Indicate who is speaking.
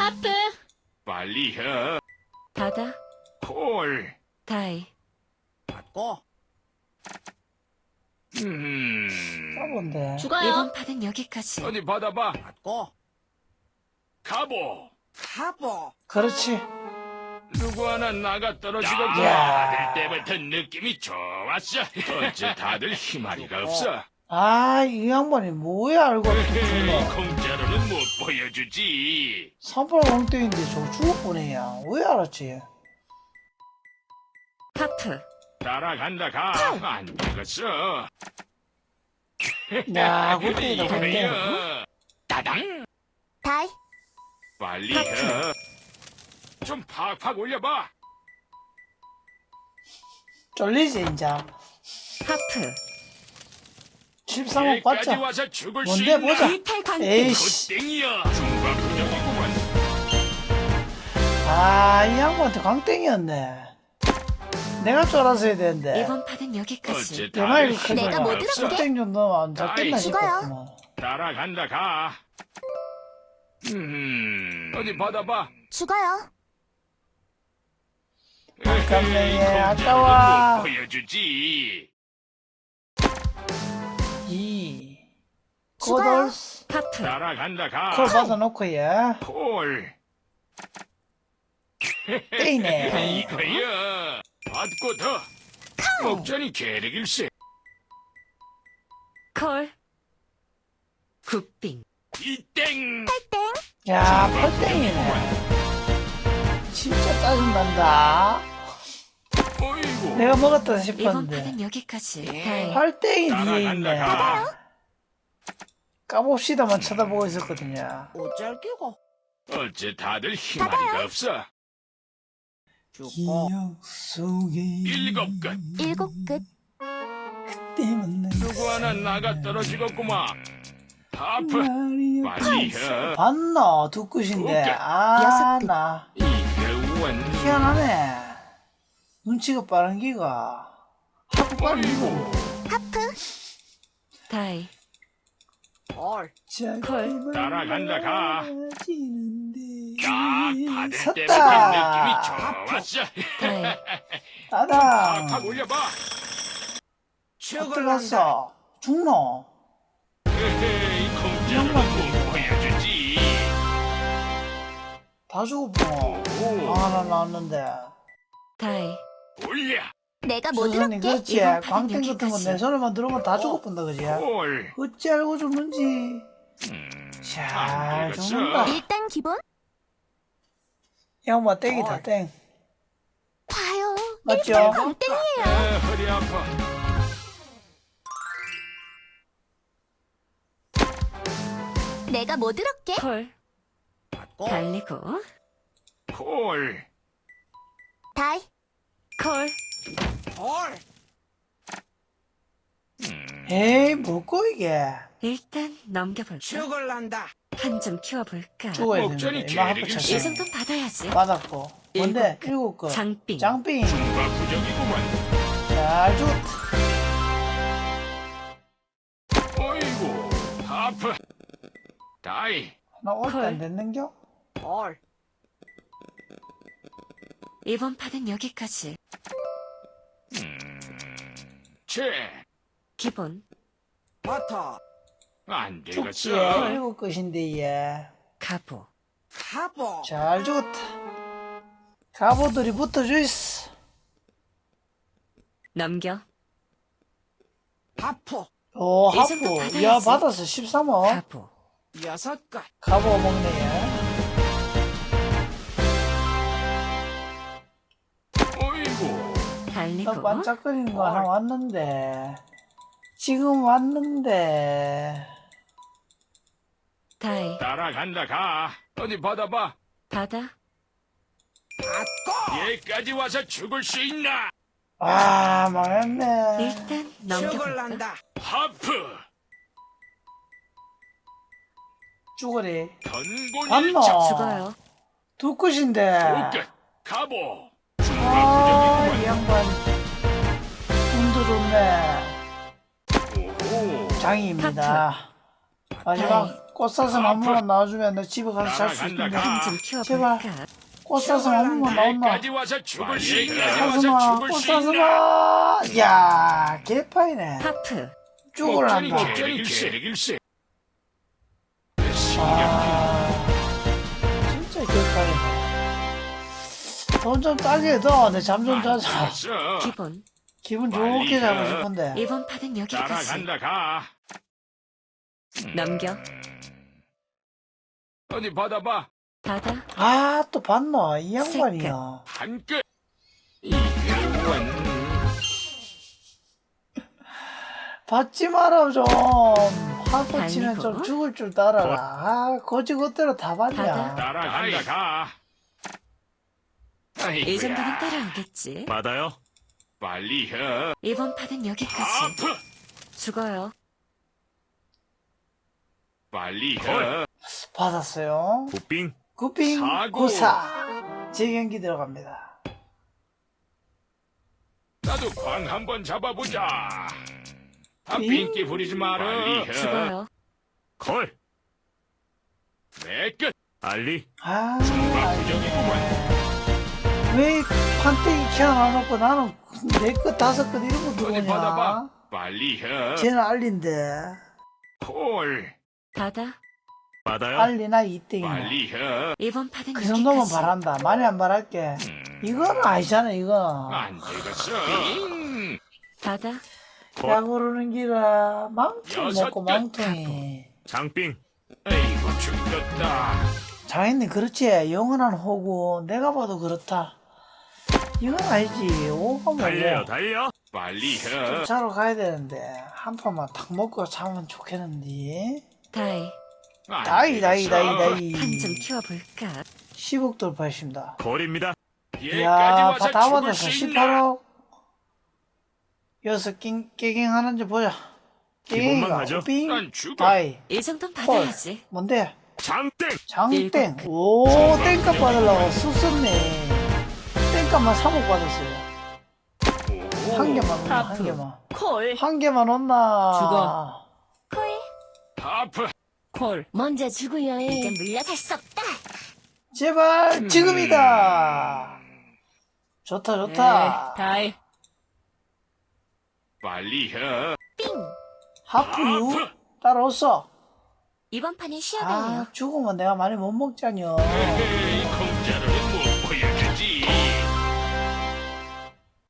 Speaker 1: 하프.
Speaker 2: 빨리 해.
Speaker 1: 바다.
Speaker 2: 콜.
Speaker 1: 다이.
Speaker 3: 받고.
Speaker 4: 까본데.
Speaker 1: 죽어요.
Speaker 5: 이번 판은 여기까지.
Speaker 2: 어디 받아봐.
Speaker 3: 받고.
Speaker 2: 가보.
Speaker 3: 가보.
Speaker 4: 그렇지.
Speaker 2: 누구 하나 나가 떨어지고
Speaker 4: 야.
Speaker 2: 받을 때부터 느낌이 좋았어. 어째 다들 희마리가 없어.
Speaker 4: 아, 이 양반이 뭐야, 알고
Speaker 2: 에헤이,
Speaker 4: 또
Speaker 2: 공짜로는 못 보여주지.
Speaker 4: 38공대인데 저 죽을 뻔해야. 왜 알았지?
Speaker 5: 하프.
Speaker 2: 따라간다 가. 안 되겠어.
Speaker 4: 야, 골대이다, 골대.
Speaker 2: 이거야. 따당.
Speaker 1: 다이.
Speaker 2: 빨리 해. 좀 팍팍 올려봐.
Speaker 4: 쫄리지, 이제.
Speaker 5: 하프.
Speaker 4: 13억
Speaker 2: 여기까지
Speaker 4: 봤자.
Speaker 2: 와서 죽을 수
Speaker 4: 뭔데,
Speaker 2: 있나?
Speaker 4: 보자.
Speaker 5: 이탈 광.
Speaker 4: 에이씨.
Speaker 2: 땡이야. 중과부정이구만.
Speaker 4: 아, 이 양반한테 광땡이었네. 내가 쫄아서 해야 되는데.
Speaker 5: 이번 판은 여기까지.
Speaker 2: 어째
Speaker 4: 내 말이
Speaker 2: 다들
Speaker 4: 크구나.
Speaker 1: 내가 못
Speaker 2: 희마리가 없어.
Speaker 4: 광땡 좀 넣으면 안 잡겠나
Speaker 2: 아이,
Speaker 4: 싶었구만.
Speaker 2: 따라간다 가. 어디 받아봐.
Speaker 1: 죽어요.
Speaker 4: 아깝네,
Speaker 2: 에헤이,
Speaker 4: 아까워.
Speaker 2: 공짜로는 못 보여주지.
Speaker 4: 2.
Speaker 1: 죽어요.
Speaker 4: 코돌스.
Speaker 5: 하프.
Speaker 2: 따라간다 가.
Speaker 4: 콜 받아놓고, 얘.
Speaker 2: 콜.
Speaker 4: 땡이네.
Speaker 2: 이거야. 받고 더. 목전이 계륵일세.
Speaker 5: 콜. 굿빙.
Speaker 2: 이땡.
Speaker 4: 야, 8땡이네. 진짜 짜증난다.
Speaker 2: 어이구.
Speaker 4: 내가 먹었다
Speaker 5: 이번
Speaker 4: 싶었는데.
Speaker 5: 판은 여기까지. 다이.
Speaker 4: 8땡이 뒤에
Speaker 2: 따라간다
Speaker 4: 있네.
Speaker 2: 가.
Speaker 4: 까봅시다만 쳐다보고 있었거든요.
Speaker 3: 어쩔 끼고.
Speaker 2: 어째 다들 희마리가 없어.
Speaker 3: 죽고.
Speaker 4: 기억 속에
Speaker 2: 일곱 끝.
Speaker 1: 7끝.
Speaker 4: 때문에
Speaker 2: 누구 하나 나가 떨어지겠구만. 하프. 빨리 해.
Speaker 4: 봤노? 두 끝인데.
Speaker 2: 오케이.
Speaker 4: 아, 나.
Speaker 2: 이게 원.
Speaker 4: 희한하네. 눈치가 빠른 기가. 하고 빨리
Speaker 2: 어이구.
Speaker 4: 이거.
Speaker 1: 하프.
Speaker 5: 다이.
Speaker 3: 콜.
Speaker 5: 콜.
Speaker 2: 따라간다 가. 딱 받을
Speaker 4: 섰다.
Speaker 2: 때부터 느낌이 좋았어.
Speaker 5: 다이.
Speaker 4: 따다.
Speaker 2: 팍팍 올려봐.
Speaker 3: 죽을란다.
Speaker 4: 어떡했어? 죽노?
Speaker 2: 에헤이, 공짜로는 못 보여주지.
Speaker 4: 다 죽었구나.
Speaker 2: 오,
Speaker 4: 하나 나왔는데.
Speaker 5: 다이.
Speaker 2: 올려.
Speaker 1: 내가 못
Speaker 4: 수선이
Speaker 1: 들었게.
Speaker 4: 그렇지.
Speaker 5: 이번 판은
Speaker 4: 광땡 같은 거
Speaker 5: 여기까지.
Speaker 4: 내 손에만 들어오면 다 죽어본다 그지?
Speaker 2: 콜.
Speaker 4: 어찌 알고 죽는지. 잘
Speaker 2: 안 되겠어.
Speaker 4: 죽는다.
Speaker 1: 일단 기본.
Speaker 4: 양마 땡이다 땡.
Speaker 1: 봐요.
Speaker 4: 맞죠?
Speaker 1: 광땡이에요.
Speaker 2: 허리 아파.
Speaker 1: 내가 못 들었게.
Speaker 5: 콜.
Speaker 3: 받고.
Speaker 5: 달리고.
Speaker 2: 콜.
Speaker 1: 다이.
Speaker 5: 콜.
Speaker 3: 콜.
Speaker 4: 에이 뭐고 이게.
Speaker 5: 일단 넘겨볼까?
Speaker 3: 죽을란다.
Speaker 5: 한 점 키워볼까?
Speaker 4: 죽어야
Speaker 2: 목전이
Speaker 4: 되는데. 이마 하프
Speaker 2: 계륵이
Speaker 5: 이
Speaker 4: 쳤어.
Speaker 5: 정도는 받아야지.
Speaker 4: 받았고. 뭔데? 일곱 거.
Speaker 5: 장빙.
Speaker 4: 장빙.
Speaker 2: 중과부정이구만.
Speaker 4: 잘 죽었다.
Speaker 2: 어이구. 하프. 다이.
Speaker 4: 나 올 때
Speaker 5: 콜.
Speaker 4: 안 됐는겨?
Speaker 3: 콜.
Speaker 5: 이번 판은 여기까지.
Speaker 2: 채.
Speaker 5: 기본.
Speaker 3: 버터.
Speaker 2: 안
Speaker 4: 죽지.
Speaker 2: 되겠어.
Speaker 4: 일곱 것인데 얘.
Speaker 5: 가보.
Speaker 3: 가보.
Speaker 4: 잘 죽었다. 가보들이 붙어주있어.
Speaker 5: 넘겨.
Speaker 3: 하프.
Speaker 4: 오
Speaker 5: 이 정도
Speaker 4: 하프.
Speaker 5: 받아야지.
Speaker 4: 야 받았어 13억.
Speaker 5: 가보.
Speaker 3: 6끝.
Speaker 4: 가보 먹네 얘.
Speaker 2: 어이구.
Speaker 4: 나
Speaker 5: 달리고.
Speaker 4: 반짝거리는 거 하나 왔는데. 지금 왔는데.
Speaker 5: 다이.
Speaker 2: 따라간다 가. 어디 받아봐.
Speaker 5: 바다.
Speaker 3: 받고.
Speaker 2: 얘까지 와서 죽을 수 있나?
Speaker 4: 아 망했네.
Speaker 5: 일단 넘겨볼까?
Speaker 3: 죽을란다.
Speaker 2: 하프.
Speaker 4: 죽어리.
Speaker 2: 전곤
Speaker 4: 봤노?
Speaker 2: 일작.
Speaker 5: 죽어요.
Speaker 4: 두 끝인데.
Speaker 2: 끝. 가보.
Speaker 4: 아,
Speaker 2: 중과부정이구만.
Speaker 4: 이 양반. 운도 좋네.
Speaker 2: 오호.
Speaker 4: 장이입니다. 마지막 꽃사슴 한 번만 나와주면 내 집에 가서 잘 수 있는데.
Speaker 5: 한 좀
Speaker 4: 제발.
Speaker 5: 키워볼까?
Speaker 4: 꽃사슴 한 번만 나온나?
Speaker 2: 여기까지 와서 죽을 수 있나?
Speaker 4: 사슴아, 꽃사슴아. 야, 개파이네.
Speaker 5: 하프.
Speaker 4: 죽을란다.
Speaker 2: 목전이
Speaker 4: 아, 진짜 개파이네. 돈 좀 따게 해도 내 잠 좀 자자.
Speaker 2: 알았어.
Speaker 5: 기본.
Speaker 4: 기분 좋게 자고 싶은데.
Speaker 5: 이번 판은 여기까지.
Speaker 2: 따라간다 가.
Speaker 5: 넘겨.
Speaker 2: 어디 받아봐.
Speaker 5: 받아.
Speaker 4: 아, 또 봤노? 이 양반이야.
Speaker 2: 한 끝. 이게 원.
Speaker 4: 받지 마라, 좀. 하고 치면 좀
Speaker 5: 아니고.
Speaker 4: 죽을 줄 따라라. 아, 거지 그대로 다
Speaker 5: 받아.
Speaker 4: 받냐.
Speaker 2: 따라간다 가.
Speaker 5: 이 정도는 따라오겠지.
Speaker 2: 받아요. 빨리 해.
Speaker 5: 이번 판은 여기까지.
Speaker 2: 아프.
Speaker 5: 죽어요.
Speaker 2: 빨리 해.
Speaker 4: 받았어요.
Speaker 2: 굿빙.
Speaker 4: 굿빙,
Speaker 2: 사고.
Speaker 4: 구사. 재경기 들어갑니다.
Speaker 2: 나도 광 한번 잡아보자. 아,
Speaker 4: 빙.
Speaker 2: 빙기 부리지 마라. 빨리 해.
Speaker 5: 죽어요.
Speaker 2: 콜. 내 끝. 알리.
Speaker 4: 아,
Speaker 2: 부정이구만.
Speaker 4: 왜 판때기 키워놔놓고 나는 내 것 다섯 것 이런 거
Speaker 2: 어디
Speaker 4: 들어오냐?
Speaker 2: 받아봐. 빨리 해.
Speaker 4: 쟤는 알린데.
Speaker 2: 콜.
Speaker 5: 받아.
Speaker 2: 받아요.
Speaker 4: 알리나 이땡이나.
Speaker 2: 빨리 해.
Speaker 5: 이번 판은
Speaker 4: 그
Speaker 5: 여기까지.
Speaker 4: 정도면 바란다. 많이 안 바랄게. 이건 아니잖아, 이거.
Speaker 2: 안 되겠어.
Speaker 5: 받아.
Speaker 4: 야, 고르는 기라. 망통
Speaker 2: 여섯
Speaker 4: 먹고
Speaker 2: 끝.
Speaker 4: 망통이.
Speaker 2: 장빙. 에이구 죽겠다.
Speaker 4: 장인님, 그렇지. 영원한 호구. 내가 봐도 그렇다. 이건 아니지. 오가 뭐고.
Speaker 2: 달려. 빨리 해.
Speaker 4: 자러 가야 되는데. 한 판만 탁 먹고 자면 좋겠는데.
Speaker 5: 다이.
Speaker 2: 안
Speaker 4: 다이.
Speaker 5: 판 좀
Speaker 2: 되겠어.
Speaker 5: 키워볼까?
Speaker 4: 10억 돌파했습니다.
Speaker 2: 거리입니다.
Speaker 4: 이야,
Speaker 2: 얘까지 와서
Speaker 4: 다
Speaker 2: 죽을
Speaker 4: 받았어.
Speaker 2: 수 있나?
Speaker 4: 18억. 여기서 깨갱 하는지 보자.
Speaker 2: 기본만
Speaker 4: 깨갱이가
Speaker 2: 가죠.
Speaker 4: 빙,
Speaker 2: 난 죽어.
Speaker 4: 다이.
Speaker 5: 이 정도는 받아야지.
Speaker 4: 뭔데?
Speaker 2: 장땡.
Speaker 4: 장땡. 오, 땡값 받으려고 썼었네. 땡값만 3억 받았어요. 한 개만 온나, 한 개만.
Speaker 5: 콜.
Speaker 4: 한 개만 온나.
Speaker 5: 죽어.
Speaker 2: 하프.
Speaker 5: 콜.
Speaker 1: 먼저 죽어요. 이제 물러설 수 없다.
Speaker 4: 제발, 지금이다. 좋다, 좋다.
Speaker 5: 다이.
Speaker 2: 빨리 해.
Speaker 1: 삥.
Speaker 4: 하프유.
Speaker 2: 하프.
Speaker 4: 따라왔어.
Speaker 1: 이번 판은 쉬어갈래요.
Speaker 4: 아, 죽으면 내가 많이 못 먹자뇨.
Speaker 2: 에이,